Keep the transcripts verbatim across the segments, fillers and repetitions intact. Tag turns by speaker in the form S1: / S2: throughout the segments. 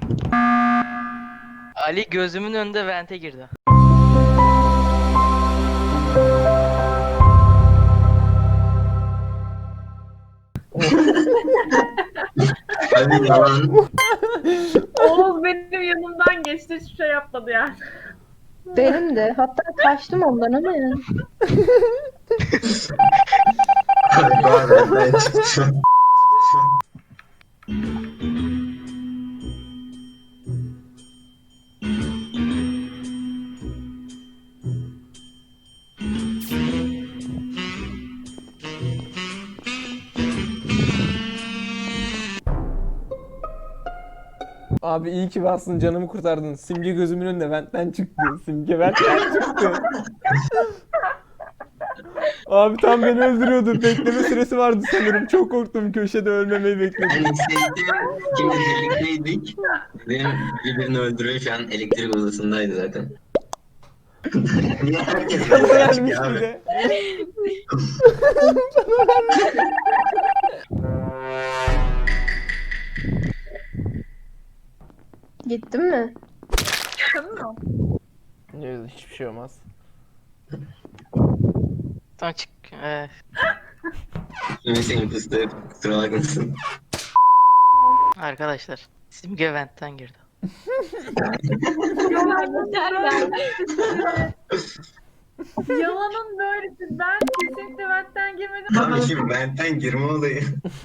S1: Ali gözümün önünde vente girdi.
S2: Abi yalan.
S3: Oğuz benim yanımdan geçti, hiçbir şey yapmadı yani.
S4: Benim de. Hatta kaçtım ondan ama yani.
S2: Abi Doğa benden çıktı.
S5: Abi iyi ki varsın, canımı kurtardın. Simge gözümün önünde ventten çıktı. Simge ventten çıktı. Abi tam beni öldürüyordu. Bekleme süresi vardı sanırım. Çok korktum. Köşede ölmemeyi bekledim.
S2: Ben hissettim. Şimdi birlikteydik. Benim birbirini öldürüyor, şu an elektrik odasındaydı zaten. Niye herkes
S5: Bana
S2: böyle
S5: vermiş
S2: çıkıyor
S5: bir
S2: abi?
S5: de.
S4: Gittin mi?
S3: Tamam mı?
S5: Yok, hiçbir şey olmaz.
S1: Tamam çık. Ee,
S2: Şimdi senin fıstığı, kusura bakmasın.
S1: arkadaşlar. Simge ventten girdi.
S3: Yalanın böylesi. Ben kesinlikle ventten girmedim.
S2: Abi şimdi benden girme olayı.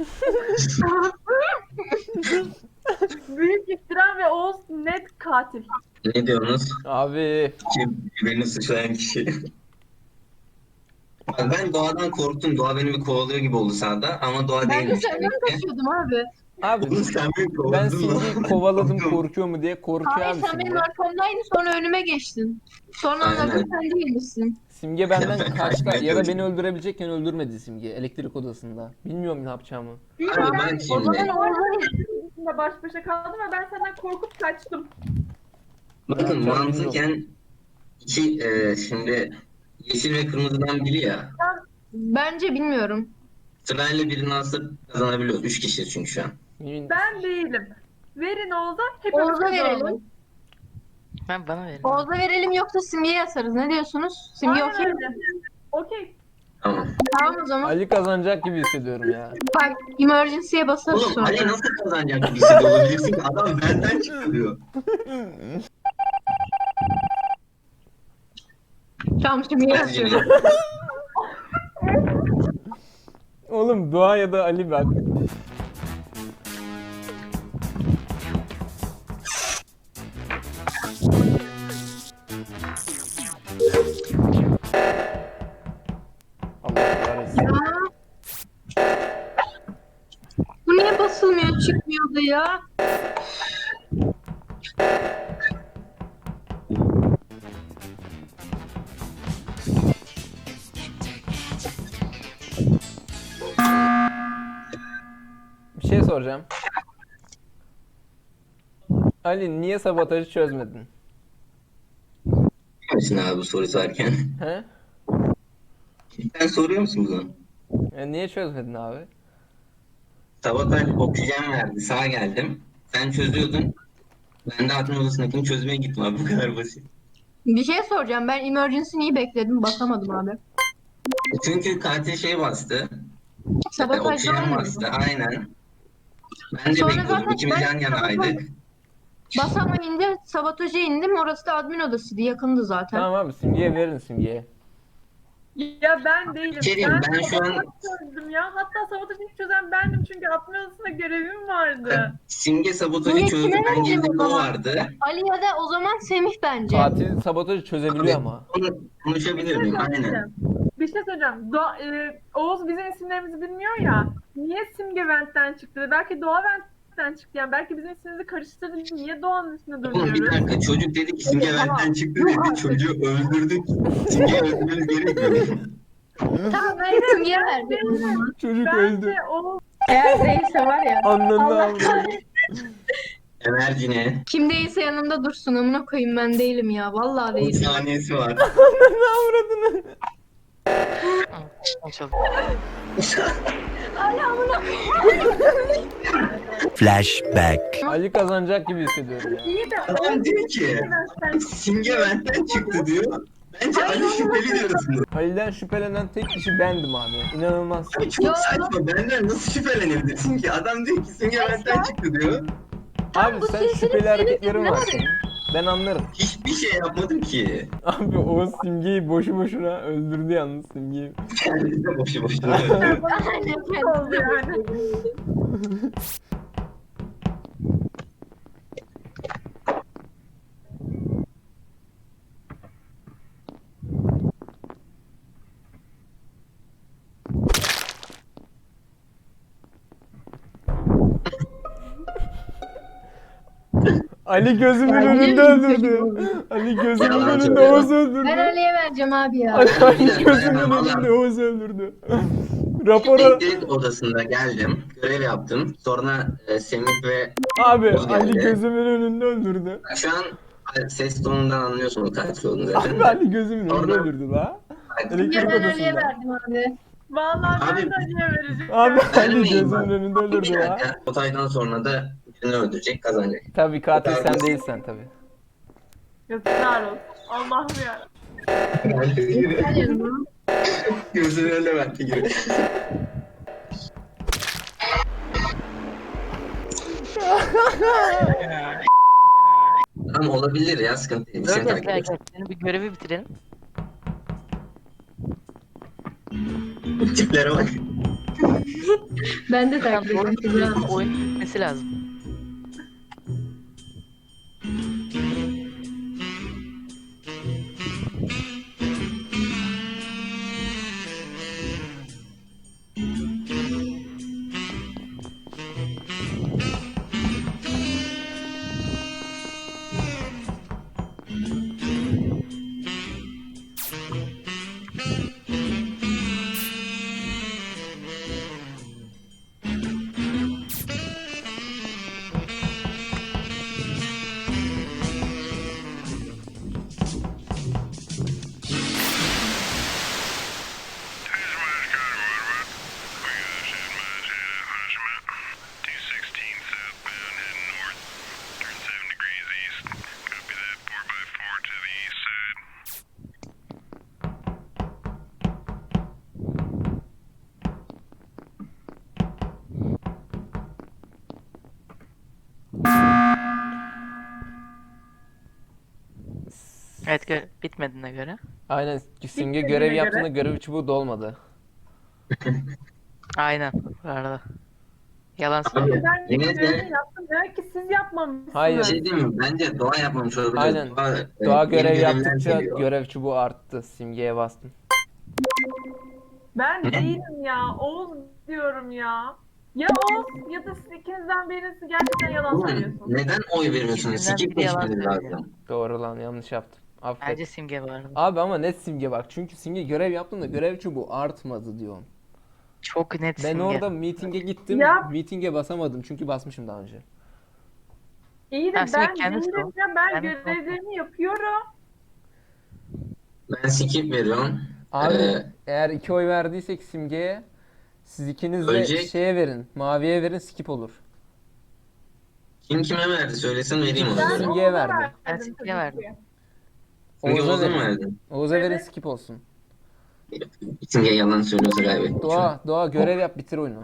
S3: Büyük iftira ve Oğuz net katil.
S2: Ne diyorsunuz?
S5: Abi
S2: Kim birbirini suçlayan kişi? Bak ben Doğa'dan korktum. Doğa beni bir kovalıyor gibi oldu sağda ama Doğa
S4: Ben de
S2: değilmiş
S4: senden
S2: demek ki.
S4: kaçıyordum abi.
S5: abi
S2: Oğlum sen beni
S5: ben
S2: kovdun
S5: Simge'yi
S2: lan.
S5: kovaladım,
S2: Korktum.
S5: korkuyor mu diye. Korkuyor
S4: Hayır
S5: abi
S4: sen
S5: Simge.
S4: benim arkamdaydın sonra önüme geçtin. Sonra
S2: Aynen.
S4: anladım sen değilmişsin.
S5: Simge benden
S2: Ben
S5: kaçtı
S2: kaçmaya
S5: ya da beni
S2: çalışıyorum.
S5: öldürebilecekken öldürmedi Simge elektrik odasında. Bilmiyorum ne yapacağımı.
S2: Abi bak
S4: O zaman
S2: şimdi.
S4: orada
S3: baş başa kaldım ve ben senden korkup kaçtım.
S2: Bakın
S5: yapacağımı
S2: mantıken iki e, şimdi yeşil ve kırmızıdan biri ya.
S4: bence bilmiyorum.
S2: Sırayla birini alsa kazanabiliyor. Üç kişi çünkü şu an.
S5: Yemin-
S3: Ben değilim. Verin Oğuz'a, hepimiz
S4: Oğuz'a
S3: kazanalım.
S4: verelim.
S1: Ben bana verin.
S4: Oğuz'a verelim yoksa Simge'ye atarız. Ne diyorsunuz? Simge
S3: Aynen
S4: okey mi?
S3: öyle. Okey.
S2: Tamam.
S4: Tamam o zaman.
S5: Ali kazanacak gibi hissediyorum ya.
S4: Bak emergency'ye basarız
S2: Oğlum
S4: sonra.
S2: Ali nasıl kazanacak bir şey de olabilirsin ki? Adam benden çıkıyor.
S4: Tamam Simge'ye
S2: Hadi
S4: atıyorum.
S2: Cüneyt.
S5: Oğlum Doğa ya da Ali bak. Allah kahretsin.
S4: Ya. Bu niye basılmıyor çıkmıyordu ya?
S5: Bir şey soracağım. Ali niye sabotajı çözmedin?
S2: Misin abi bu soru sorarken?
S5: He?
S2: Sen soruyor musun bunu?
S5: Ya niye çözmedin abi?
S2: Sabotaj oksijen verdi. Sağa geldim. Sen çözüyordun. Ben de admin odasındakini çözmeye gittim abi. Bu kadar basit.
S4: Bir şey soracağım. Ben emergency'yi bekledim. Basamadım abi.
S2: Çünkü katil şey bastı.
S4: Sabotaj
S2: Oksijen
S4: olmuyor.
S2: bastı. Aynen. Ben de
S4: Sonra
S2: bekliyordum.
S4: zaten
S2: İkimiz
S4: ben
S2: yan yanaydık.
S4: Basamayınca sabotaja indim. Orası da admin odasıydı. Yakındı zaten.
S5: Tamam abi Simge'ye verin Simge'ye.
S3: Ya ben değilim.
S2: Bir şey diyeyim, ben şu an-
S3: sabotaj çözdüm ya. Hatta sabotajı ilk çözen bendim çünkü atma odasında görevim vardı.
S2: Simge sabotajı
S4: Niye,
S2: çözdü.
S4: kime
S2: Ben
S4: verelim
S2: girdim.
S4: o
S2: O
S4: zaman?
S2: vardı.
S4: Ali ya da o zaman Semih bence.
S5: Katil sabotajı çözebiliyor ama.
S2: Onu
S3: Bir
S2: konuşabilir
S3: şey
S2: miyim? Aynen.
S3: söyleyeceğim. Bir şey söyleyeceğim. Doğa, e, Oğuz bizim isimlerimizi bilmiyor ya. Niye Simge Vent'ten çıktı? Belki Doğa Vent'ten çıktı. Yani belki bizim ismimizi karıştırdı. Niye Doğan'ın üstüne
S2: Oğlum bir
S3: duruyoruz?
S2: dakika, çocuk dedi ki Simge
S4: Tamam.
S2: benden çıktı dedi. Çocuğu öldürdük. Simge'yi öldürmemiz gerekmiyor.
S4: Tamam ben Semih'e verdim o zaman.
S5: Çocuk öldü.
S3: Bence Oğuz
S4: Eğer değilse var ya.
S5: Anlandı
S4: Allah
S5: avradı.
S4: kahretsin.
S2: Emercine.
S4: Kim değilse yanımda dursun. Amına koyayım ben değilim ya. Vallahi
S2: on
S4: değilim.
S2: saniyesi var.
S5: Ananı avradını.
S1: Açıldı.
S4: Ali amına koyayım.
S6: Flashback.
S5: Ali kazanacak gibi hissediyorum ya.
S3: İyi de
S2: Adam diyor ki Simge benden çıktı diyor. Bence Ali şüpheli diyorsun.
S5: Ali'den şüphelenen tek kişi bendim abi. İnanılmaz.
S2: Abi çok saçma. Benden nasıl şüphelenebilirsin ki? Adam diyor ki Simge benden çıktı diyor.
S5: Abi
S4: bu
S5: sen
S4: silsile
S5: şüpheli hareketlerin
S4: ne
S5: var
S4: var?
S5: senin. Ben anlarım.
S2: Hiçbir şey yapmadım ki.
S5: Abi Oğuz Simge'yi boşu boşuna öldürdü yalnız Simge'yi.
S2: Kendisi de boşu boşuna öldü.
S3: oldu yani.
S5: Ali gözümün
S4: Ya,
S5: önünde
S4: yine
S5: öldürdü.
S4: mi
S5: Ali gözümün
S2: Yalan
S5: önünde
S2: söylüyor.
S5: Oğuz
S4: Ben
S5: öldürdü.
S4: Ali'ye vereceğim abi ya.
S5: Ali, Ali
S2: Bir dakika,
S5: gözümün
S2: dayanamam.
S5: önünde Oğuz öldürdü. Rapora...
S2: Elektrik odasında geldim. Görev yaptım. Sonra e, Semih ve
S5: Abi
S2: Oğuz
S5: Ali
S2: geldi.
S5: gözümün önünde öldürdü.
S2: Şu an ses tonundan anlıyorsunuz katil olduğunu zaten.
S5: Abi Ali gözümün önünde
S2: Sonra-
S5: öldürdü la.
S4: Ya
S5: Elektrik
S4: ben Ali'ye
S5: odasında.
S4: verdim abi.
S3: Vallahi ben
S2: Abi-
S3: de Ali'ye vereceğim.
S5: Abi Ali
S2: Vermeyin
S5: gözümün
S2: bak.
S5: önünde
S2: Bir
S5: öldürdü la.
S2: dakika. Otaydan sonra da birini öldürecek, kazanacak.
S5: Tabii katil sen değilsen tabii.
S3: Yazıklar olsun. Allah'ım ya.
S4: Gel yanıma.
S2: Gözünün önüne verdi gibi. Tamam olabilir ya, sıkıntı değil. Biz
S1: Dur
S2: seni
S1: dur
S2: takip
S1: gel
S2: ederiz.
S1: gel. Senin bir görevi bitirelim.
S2: Tiplere bak.
S4: Ben de
S1: Tamam,
S4: takip
S1: doğru
S4: ettim. ya.
S1: bitirelim. Oyun bitmesi lazım. Evet gö bitmediğine göre.
S5: Aynen Simge
S3: Bitmediğine
S5: görev
S3: göre.
S5: yaptığında görev çubuğu dolmadı.
S1: Aynen bu arada. Yalan
S2: Abi,
S1: söylüyor.
S3: Ben de
S2: yine de-
S3: görevimi yaptım. Demek ki siz yapmamışsınız.
S5: Hayır.
S2: Bir şey diyeyim mi? Bence Doğa yapmamış olabilir.
S5: Aynen.
S2: Doğa,
S5: Doğa
S2: e,
S5: görev
S2: yeni görevler
S5: yaptıkça
S2: geliyor.
S5: görev çubuğu arttı. Simgeye bastım.
S3: Ben değilim ya. Oğuz diyorum ya. Ya Oğuz ya da siz ikinizden birisi gerçekten yalan
S2: Oğlum,
S3: söylüyorsunuz.
S2: neden oy veriyorsunuz?
S1: İkisinden
S2: Skip
S1: biri yalan
S2: geçmeniz
S1: söylüyor.
S2: lazım.
S5: Doğru lan yanlış yaptım. Affet.
S1: Bence Simge vardı.
S5: Abi ama net Simge bak. Çünkü Simge görev yaptığında görev çubuğu artmadı diyorum.
S1: Çok net
S5: Ben
S1: Simge.
S5: orada meeting'e gittim.
S3: Ya-
S5: Meeting'e basamadım çünkü basmışım daha önce.
S3: İyi de
S1: Ha, sen
S3: ben
S1: kendin
S3: değilim
S1: sor.
S3: ya. Ben
S1: Kendin sor.
S3: görevlerimi yapıyorum.
S2: Ben skip veriyorum.
S5: Abi
S2: Ee,
S5: eğer iki oy verdiysek Simge'ye siz ikiniz de
S2: Ölecek.
S5: şeye verin. Maviye verin skip olur.
S2: Kim kime verdi söylesin vereyim ona
S3: Ben
S2: göre.
S5: Simge'ye
S3: Oğuz'a
S5: verdim.
S1: Ben
S3: tabii
S1: Simge'ye
S3: ki.
S1: verdim.
S2: Simge
S5: Oğuz'a
S2: Oğuz'a mı
S5: verin.
S2: verdin?
S5: Oğuz'a verin
S3: Evet.
S5: skip olsun.
S2: Simge yalan söylüyorsa kaybetmiş.
S5: Doğa, Doğa görev yap bitir oyunu.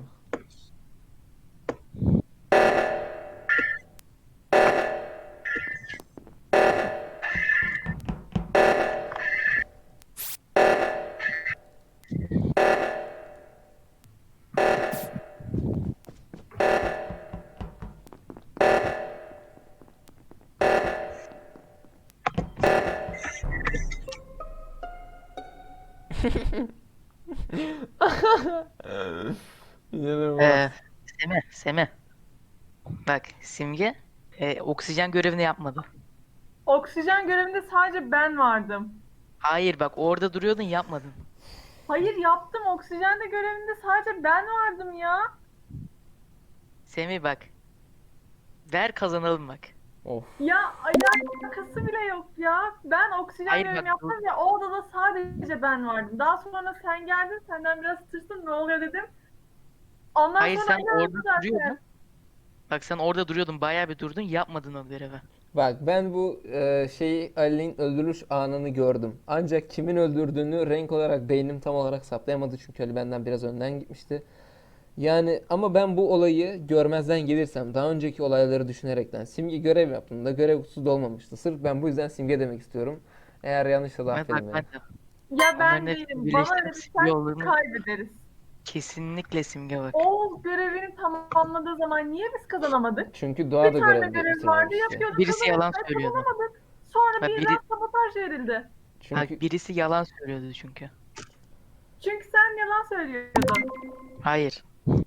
S5: İnanılmaz.
S1: Ee, Semi, Semi. Bak Simge e, oksijen görevini yapmadı.
S3: Oksijen görevinde sadece ben vardım.
S1: Hayır bak orada duruyordun yapmadın.
S3: Hayır yaptım. Oksijende görevinde sadece ben vardım ya.
S1: Semih bak. Ver kazanalım bak.
S5: Of.
S3: Ya alakası bile yok ya. Ben oksijen
S1: Hayır,
S3: görevimi
S1: bak,
S3: yaptım ya o odada sadece ben vardım. Daha sonra sen geldin. Senden biraz tırsın ne oluyor dedim. Ondan
S1: Hayır
S3: sonra
S1: sen
S3: inandım
S1: orada
S3: zaten.
S1: duruyordun. Bak sen orada duruyordun, bayağı bir durdun, yapmadın o görevi.
S5: Bak ben bu e, şeyi Ali'nin öldürüş anını gördüm. Ancak kimin öldürdüğünü renk olarak beynim tam olarak saptayamadı çünkü Ali benden biraz önden gitmişti. Yani ama ben bu olayı görmezden gelirsem daha önceki olayları düşünerekten Simge görev yaptığında görev kutusu dolmamıştı. Sırf ben bu yüzden Simge demek istiyorum. Eğer yanlışsa da
S1: Evet, bak
S5: affedin
S1: ben
S5: beni.
S1: de.
S3: Ya ben
S1: Onların hepsi
S3: değilim.
S1: birleştirip
S3: Bana
S1: simge
S3: verirsen
S1: olduğunu-
S3: kaybederiz.
S1: Kesinlikle Simge bak.
S3: Oğuz görevini tamamladığı zaman niye biz kazanamadık?
S5: Çünkü Doğa da
S3: Bir tane
S5: görev
S3: görev
S5: bitirmemişti.
S3: vardı yapıyorduk.
S1: Birisi yalan
S3: kazanamadık,
S1: söylüyordu.
S3: kazanamadık. Sonra
S1: Ha,
S3: birden
S1: biri-
S3: sabotaj verildi.
S5: Çünkü
S1: Bak birisi yalan söylüyordu çünkü.
S3: Çünkü sen yalan söylüyordun.
S1: Hayır.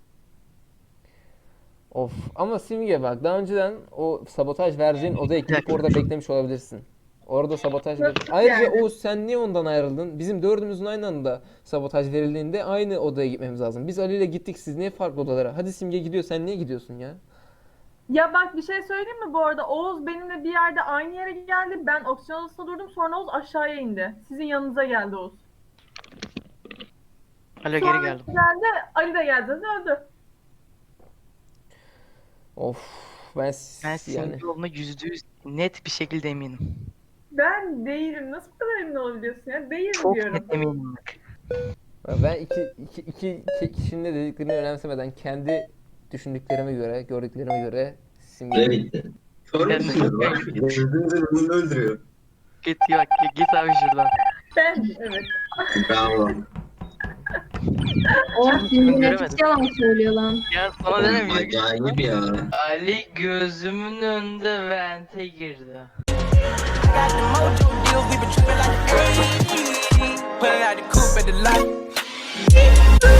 S5: of ama Simge bak daha önceden o sabotaj vereceğin odaya gidip
S1: dakika.
S5: orada beklemiş olabilirsin. Orada sabotaj ver.
S3: Yok,
S5: Ayrıca
S3: yani.
S5: Oğuz sen niye ondan ayrıldın? Bizim dördümüzün aynı anda sabotaj verildiğinde aynı odaya gitmemiz lazım. Biz Ali ile gittik, siz niye farklı odalara? Hadi Simge gidiyor, sen niye gidiyorsun ya?
S3: Ya bak bir şey söyleyeyim mi bu arada? Oğuz benimle bir yerde aynı yere geldi. Ben opsiyon odasında durdum. Sonra Oğuz aşağıya indi. Sizin yanınıza geldi Oğuz.
S1: Alo,
S3: Sonra
S1: geri geldim.
S3: geldi. Ali de geldi. Öldü.
S5: Of ben,
S1: Ben
S5: yani
S1: Simge olduğuna yüzde yüz net bir şekilde eminim.
S3: Ben değilim. Nasıl bu kadar emin olabiliyorsun ya? Değilim
S1: Çok
S3: diyorum.
S1: net eminim bak.
S5: ben iki, iki, iki, iki kişinin de dediklerini önemsemeden kendi düşündüklerime göre, gördüklerime göre
S2: Süre
S5: Simge
S2: bitti. Sormuşsunuz bak. Gözünüzün önünde öldürüyor.
S1: Git bak, git abi şuradan.
S3: Ben evet.
S2: Bravo.
S4: Oğuz Simge
S1: göremedim.
S4: nefis yalan söylüyor lan.
S1: Ya sana dedim ya.
S2: Acayip ya.
S1: Ali gözümün önünde vente girdi.
S6: Got the mojo deal, we been trippin' like the eighties. Pulling out the coupe at the light.